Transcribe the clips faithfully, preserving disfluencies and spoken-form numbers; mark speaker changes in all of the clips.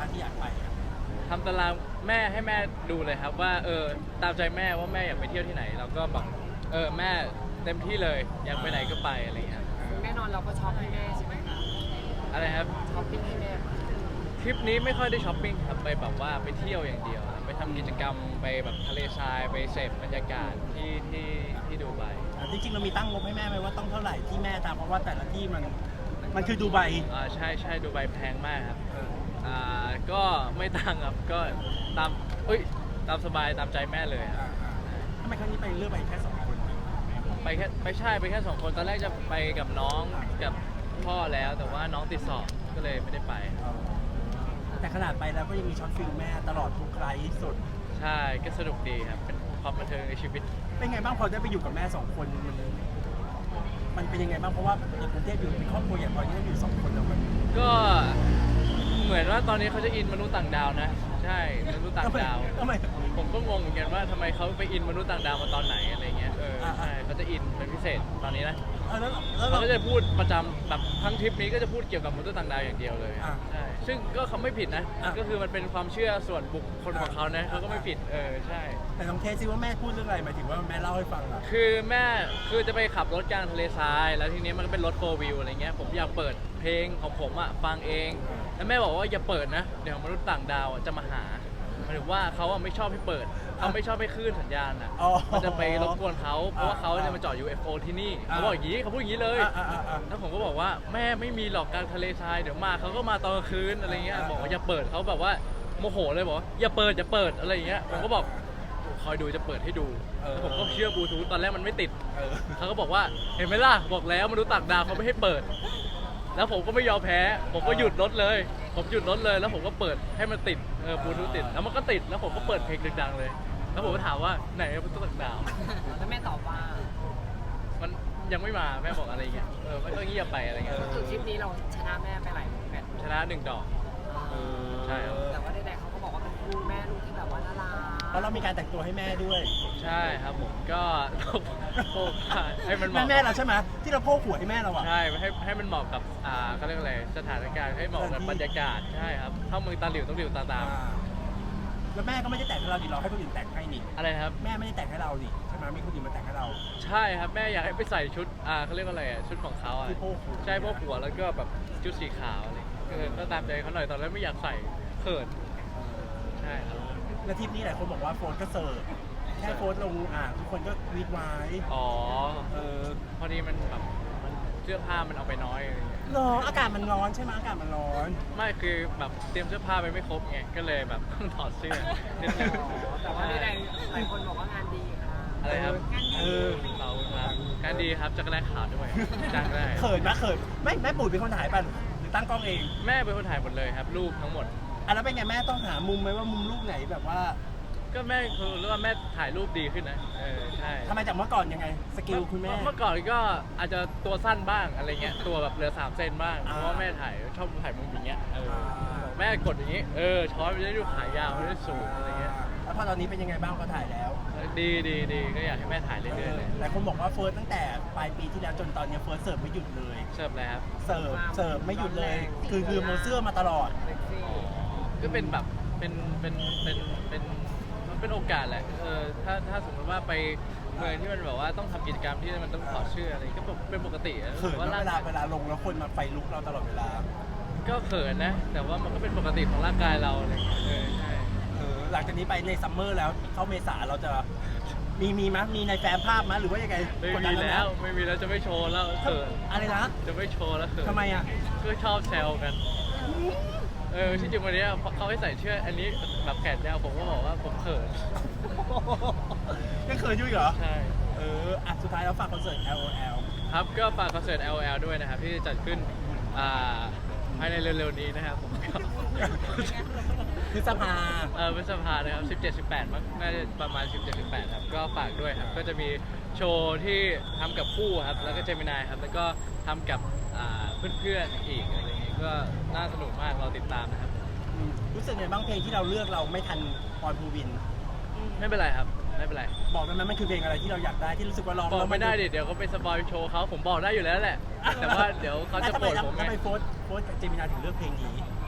Speaker 1: บ้างที่อยากไปอะ
Speaker 2: ทำตารางแม่ให้แม่ดูเลยครับว่าเออตามใจแม่ว่าแม่อยากไปเที่ยวที่ไหนเราก็บอกเออแม่เต็มที่เลยอยากไปไหนก็ไปอะไรอย่างเงี้ย
Speaker 3: แน่นอนเราก็ช็อปให้แม่ใช่ไหมคะ
Speaker 2: อะไรครับ
Speaker 3: ช้อปปิ้งให้แม่
Speaker 2: ทริปนี้ไม่ค่อยได้ช้อปปิ้งครับไปแบบว่าไปเที่ยวอย่างเดียวไปทำกิจกรรมไปแบบทะเลทรายไปเสพบรรยากาศที่ที่ที่ดูไบ
Speaker 1: อ่ะจริงๆเรามีตั้งงบให้แม่ไหมว่าต้องเท่าไหร่ที่แม่ตามเพราะว่าแต่ละที่มันมันคือดูไบ
Speaker 2: อ่าใช่ใช่ดูไบแพงมากครับ
Speaker 1: เออ
Speaker 2: อ่าก็ไม่ตั้งครับก็ตามเอ้ยตามสบายตามใจแม่เลยครับ
Speaker 1: อ่าอ่าทำไมครั้งนี้ไปเลือกไปแค่สองคน
Speaker 2: ไปแค่ไปใช่ไปแค่สองคนตอนแรกจะไปกับน้องกับพ่อแล้วแต่ว่าน้องติดสอบก็เลยไม่ได้ไป
Speaker 1: เออแต่ขนาดไปแล้วก็ยังมีช็อตฟิลแม่ตลอดทุกไลฟ์สด
Speaker 2: ใช่ก็สนุกดีครับเป็นความบันเทิงในชีวิต
Speaker 1: เป็นไงบ้างพอได้ไปอยู่กับแม่สองคนมันมันเป็นยังไงบ้างเพราะว่าในกรุงเทพอยู่เป็นครอบครัวอย่างพอที่ได้อยู่สองคนแล้วมัน
Speaker 2: ก็เหมือนว่าตอนนี้เขาจะอินมนุษย์ต่างดาวนะใช่มนุษย์ต่างดาว
Speaker 1: ทำไม
Speaker 2: ผมก็งงเหมือนกันว่าทำไมเขาไปอินมนุษย์ต่างดาวมาตอนไหนอะไรเงี้ยเออ
Speaker 1: อ่า
Speaker 2: ใช่เขาจะอินเป็นพิเศษตอนนี้นะ
Speaker 1: เออแล้วแล้ว
Speaker 2: เขา
Speaker 1: เรา
Speaker 2: ก็จะพูดประจำแบบทั้งทริปนี้ก็จะพูดเกี่ยวกับมนุษย์ต่างดาวอย่างเดียวเลย
Speaker 1: อ่า
Speaker 2: ใช่ซึ่งก็เขาไม่ผิดนะ
Speaker 1: อ่า
Speaker 2: ก็คือมันเป็นความเชื่อส่วนบุคคลของเขานะเขาก็ไม่ผิดเออใช่
Speaker 1: แต่ลองเทสซิว่าแม่พูดเรื่องอะไรหมายถึงว่าแม่เล่าให้ฟังอะ
Speaker 2: คือแม่คือจะไปขับรถกลางทะเลทราย แล้วทีนี้มันก็เป็นรถโฟร์วิวอะไรเงี้ยผมอยากเปิดเพลงของผมอ่ะฟังเองแล้วแม่บอกว่าอย่าเปิดนะเดี๋ยวมนุษย์ต่างดาวอะจะมาหาหมายถึงว่าเขาอะไม่ชอบให้เปิดเขาไม่ชอบให้คลื่นสัญญาณอ่ะ
Speaker 1: อ๋อ
Speaker 2: มันจะไปรบกวนเขาเพราะว่าเขาจะมาจอด ยู เอฟ โอ ที่นี่
Speaker 1: อ่า
Speaker 2: เขาบอกอย่างนี้เขาพูดอย่างนี้เลย
Speaker 1: อ่ะอ่ะอ่ะอ่ะ
Speaker 2: แล้วผมก็บอกว่าแม่ไม่มีหรอกกลางทะเลทรายเดี๋ยวมาเขาก็มาตอนกลางคืนอะไรเงี้ยบอกว่าอย่าเปิดเขาแบบว่าโมโหเลยบอกว่าอย่าเปิดอย่าเปิดอะไรอย่างเงี้ยผมก็บอกคอยดูจะเปิดให้ดูแล้วผมก็เชื่อบลูทูธตอนแรกมันไม่ติด
Speaker 1: เออ
Speaker 2: เขาก็บอกว่าเห็นไหมล่ะบอกแล้วมนุษย์ต่างดาวเขาไม่ให้เปิด แล้วผมก็ไม่ยอมแพ้ ผมก็หยุดรถเลย ผมหยุดรถเลยแล้วผมก็เปิดให้มันติดเออบลูทูธติดแล้วมันก็ติดแล้วผมก็เปิดเพลงดังๆเลย แล้วผมก็ถามว่าไหนมนุษย์ต่างดาว
Speaker 3: แล้วแม่ตอบว่า
Speaker 2: มันยังไม่มาแม่บอกอะไรเงี้ยเออไม่ก็เงียบไปอะไรเงี้ย
Speaker 3: คือทริปนี้เราชนะแม่ไปหลายแมตช์
Speaker 2: ชนะหนึ่งดอก ใช่ครับ
Speaker 3: แต่ว่าใดๆเขาก็บอกว่าเป็นคู่แม่ลูกที่แบบว่าน่ารัก
Speaker 1: เพราะเรามีการแต่งตัวให้แม่ด้วย
Speaker 2: ใช่ครับผมก็โพกให้มันเห
Speaker 1: แม่
Speaker 2: มาะ
Speaker 1: แม่เราใช่ไหมที่เราโพกหัวให้แม่เราอะ
Speaker 2: ใช่ให้ให้มันเหมาะกับอ่าเขาเรียกอะไรสถานการณ์ให้เหมาะกับบรรยากาศใช่ครับเข้าเมืองตาหลิวต้องหลิวตาตาม
Speaker 1: อ่าแล้วแม่ก็ไม่ได้แต่งให้เราดิเราให้คนอื่นแต่งให้นี่
Speaker 2: อะไรนะครับ
Speaker 1: แม่ไม่ได้แต่งให้เราดิใช่ไหมมีคนอื่นมาแต่งให้เรา
Speaker 2: ใช่ครับแม่อยากให้ไปใส่ชุดอ่าเขาเรียกว่าอะไรอ่ะชุดของเขาอ่ะ
Speaker 1: ที่โพกหัว
Speaker 2: ใช่พวกหัวแล้วก็แบบชุดสีขาวอะไรเออก็ตามใจเขาหน่อยตอนแรกไม่อยากใส่เขินใช่ครับ
Speaker 1: แล้วทริปนี้หลายคนบอกว่าโฟนก็เสิร์ฟแค่โฟนลงอ่างทุกคนก็วีดไว้
Speaker 2: อ๋อ
Speaker 1: เออ
Speaker 2: พอดีมันแบบมันเสื้อผ้ามันเอาไปน้อยอะไรเงี้ย
Speaker 1: ร้อนอากาศมันร้อนใช่ไหมอากาศมันร้อน
Speaker 2: ไม่คือแบบเตรียมเสื้อผ้าไปไม่ครบไงก็เลยแบบต้องถอดเสื้อนิดนึง
Speaker 3: แต่ว่าใดๆหลายคนบอกว่างานดีค่ะ
Speaker 2: อะไรครับ
Speaker 1: เออ
Speaker 2: เราครับการดีครับจักรแลขาวด้วยจ้างได้
Speaker 1: เขินไหมเขินไม่แม่ปุ๋ยเป็นคนถ่ายป่ะหรือตั้งกล้องเอง
Speaker 2: แม่เป็นคนถ่ายหมดเลยครับรูปทั้งหมด
Speaker 1: อ่ะแล้วเป็นไงแม่ต้องหามุมไหมว่ามุมรูปไหนแบบว่า
Speaker 2: ก็แม่คือรู้ว่าแม่ถ่ายรูปดีขึ้นนะเออใช่
Speaker 1: ทำไมจากเมื่อก่อนยังไงสกิลคุณแม่
Speaker 2: เมื่อก่อนก็อาจจะตัวสั้นบ้างอะไรเงี้ยตัวแบบเหลือสามเซนบ้าง
Speaker 1: อ่า
Speaker 2: เพราะว่าแม่ถ่ายชอบถ่ายมุมอย่างเงี้ยเออ
Speaker 1: อ่า
Speaker 2: แม่กดอย่างงี้เออช้อนมันจะได้ดูขายาวมันได้สูงอะไรเงี้ย
Speaker 1: แล้วพอตอนนี้เป็นยังไงบ้างพอถ่ายแล้ว
Speaker 2: ดีดีดีก็อยากให้แม่ถ่ายเรื่อยๆเลย
Speaker 1: หลายคนบอกว่าเฟิร์สตั้งแต่ปลายปีที่แล้วจนตอนเนี้ยเฟิร์สเสิร์ฟไม่หยุดเลย
Speaker 2: เสิร์ฟเลยครับ
Speaker 1: เสิร์ฟเสิร์ฟไม่หยุดเลย คือคือโมเสื้อมาตลอด
Speaker 3: เซ็กซี่
Speaker 2: ก็เป็นแบบเป็นเป็นเป็นเป็นมันเป็นโอกาสแหละเออถ้าถ้าสมมติว่าไปเมืองที่มันแบบว่าต้องทำกิจกรรมที่มันต้องถอดเสื้ออะไรก็เป็นปกติอะ
Speaker 1: เขิน
Speaker 2: ว่า
Speaker 1: นะ
Speaker 2: ร่าง
Speaker 1: เวลาก
Speaker 2: าย
Speaker 1: เวลาลงแล้วคนมาไฟลุกเราตลอดเวลา
Speaker 2: ก็เขินนะ แต่ว่ามันก็เป็นปกติของร่างกายเราอะไรอย่างเงี้ยเออใช่
Speaker 1: เออหลังจากนี้ไปในซัมเมอร์แล้วเข้าเมษาเราจะมีมีมั้ยมีในแฟ้มภาพมั้ยหรือว่ายังไง
Speaker 2: ไม่
Speaker 1: กด
Speaker 2: มี
Speaker 1: ดัน
Speaker 2: แล้ว
Speaker 1: นะ
Speaker 2: ไม่มีแล้วจะไม่โชว์แล้วเขิน
Speaker 1: อะไรนะ
Speaker 2: จะไม่โชว์แล้วเขิน
Speaker 1: ทำไมอ่ะ
Speaker 2: ก็ชอบแซวกัน เออที่จริงวันเนี้ยเขาให้ใส่เสื้ออันนี้แบบแขนยาวผมก็บอกว่าผมเขิน
Speaker 1: ยังเขินอยู่อีกเหรอ
Speaker 2: ใช่
Speaker 1: เอออ่ะสุดท้ายแล้วฝากคอนเสิร์ต แอล โอ แอล
Speaker 2: ครับก็ฝากคอนเสิร์ต แอล โอ แอล ด้วยนะครับ ที่จะจัดขึ้นอ่าภายในเร็วๆนี้นะครับผมก็
Speaker 1: พฤษภา
Speaker 2: เออพฤษภานะครับสิบเจ็ด สิบแปดมั้งน่าจะประมาณ สิบเจ็ด สิบแปดครับก็ฝากด้วยครับก็จะมีโชว์ที่ทำกับคู่ครับแล้วก็เจมินายครับแล้วก็ทำกับอ่าเพื่อนๆอีกอะไรอย่างงี้ก็น่าสนุกมากเราติดตามนะครับ
Speaker 1: อืมรู้สึกไงบ้างเพลงที่เราเลือกเราไม่ทันปอนภูวิน
Speaker 2: ไม่เป็นไรครับไม่เป็นไร
Speaker 1: บอกได้ไหมมันคือเพลงอะไรที่เราอยากได้ที่รู้สึกว่าร้อง
Speaker 2: บอก
Speaker 1: แล้ว
Speaker 2: ไม่ได้ดิเดี๋ยวเขาไปสปอยโชว์เขาผมบอกได้อยู่แล้วแหละ แต่ว่าเดี๋ยวเขาจะ
Speaker 1: อ่
Speaker 2: โกรธผม
Speaker 1: ทำ
Speaker 2: ไง
Speaker 1: ไมโฟสโฟสกับเจมินาถึงเลือกเพลงนี้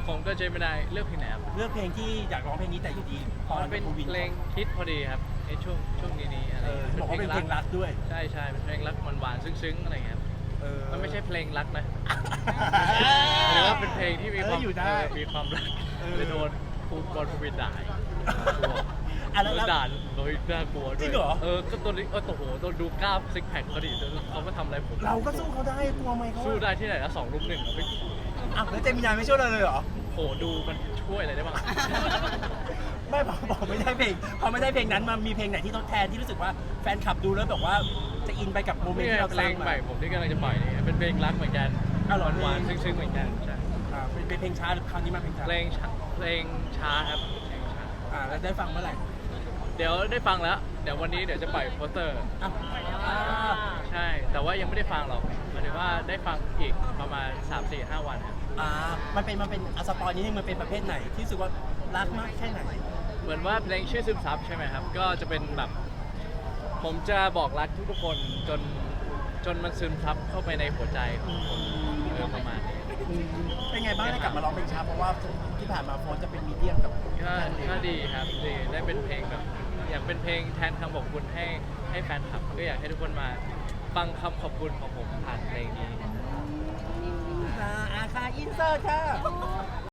Speaker 2: ผมก็เจมินายเลือกเพลงไหนครับ
Speaker 1: เลือกเพลงที่อยากร้องเพลงนี้แต่อยู่ดีพอ
Speaker 2: มันเป็น
Speaker 1: โควิด
Speaker 2: เพลงฮิตพอดีครับในช่วงช่วงนี้นี้อะไร
Speaker 1: เออบอกว่าเป็นเพลงรักด้วย
Speaker 2: ใช่ใช่เป็นเพลงรักหวานๆซึ้งๆอะไรเงี้ยครับ
Speaker 1: เออ
Speaker 2: มันไม่ใช่เพลงรักนะหรือว่าเป็นเพลงที่มีความ
Speaker 1: เอออยู่ได้
Speaker 2: เออมีความรัก
Speaker 1: เออ
Speaker 2: เลยโดนภูมิบอลภูมิด่าอีก
Speaker 1: อ่ะแล้ว
Speaker 2: โด
Speaker 1: แล้ว
Speaker 2: นด่าโดยน่ากลัวด้วย
Speaker 1: จริงเหรอ
Speaker 2: เออก็ตัวนี้เออโอ้โหตัวดูกล้ามซิกแพคเขาดิเขามาทำอะไรผม
Speaker 1: เราก็สู้เขาได้กลัวไหมเขา
Speaker 2: สู้ได้ที่ไหนละสองลุมหนึ่งอะไม่
Speaker 1: อ่ะแล้วเจมินายไม่ช่วยเราเลยเหรอ
Speaker 2: โหดูมันช่วยอะไรได้บ้าง
Speaker 1: ไม่บอกบอกไม่ได้เพลงพอไม่ได้เพลงนั้นมันมีเพลงไหนที่ทดแทนที่รู้สึกว่าแฟนคลับดูแล้วแบบว่าจะอินไปกับโมเมนต์
Speaker 2: นี่
Speaker 1: ที่เรา
Speaker 2: เพ
Speaker 1: ส
Speaker 2: ล
Speaker 1: ร้าง
Speaker 2: ง
Speaker 1: มา
Speaker 2: ใหม่ผมที่กำลังจะปล่อยนี่เป็นเพลงรักเหมือนกัน
Speaker 1: อ้าวเหรอ
Speaker 2: หวานๆซึ้งๆเหมือนกันใช่
Speaker 1: อ่าเป็นเป็นเพลงช้าหรือคราวนี้มาเพลงช้า
Speaker 2: เพลงช้าเพลงช้าครับเพลงช้า
Speaker 1: อ่าแล้วได้ฟังเมื่อไหร่
Speaker 2: เดี๋ยวได้ฟังแล้ว เดี๋ยววันนี้เดี๋ยวจะปล่อยโปสเตอร์
Speaker 1: อ่ะอ่า
Speaker 2: ใช่ แต่ว่ายังไม่ได้ฟังหรอกหมายถึงว่าได้ฟังอีกประมาณ สาม สี่ ห้า วันครับ
Speaker 1: อ่ามันเป็นมันเป็นอะสปอยนิดนึงมันเป็นประเภทไหนที่รู้สึกว่ารักมากแค่ไหน
Speaker 2: เหมือนว่าเพลงชื่อซึมซับใช่ไหมครับ ก็จะเป็นแบบ ผมจะบอกรักทุกๆคนจนจนมันซึมซับเข้าไปในหัวใจของคนเออประมาณนี้
Speaker 1: อืมเป็นไงบ้างได้กลับมาร้องเพลงช้าเพราะว่าที่ผ่านมาโฟนจะเป็นมีเดียมกับ
Speaker 2: ก็ก็ดีครับดีได้เป็นเพลงแบบ อยากเป็นเพลงแทนคำขอบคุณให้ให้แฟนคลับ ก็อยากให้ทุกคนมาฟังคำขอบคุณของผมผ่านเพลงนี้
Speaker 1: อ่าอาคาอินเสิร์ตค่ะ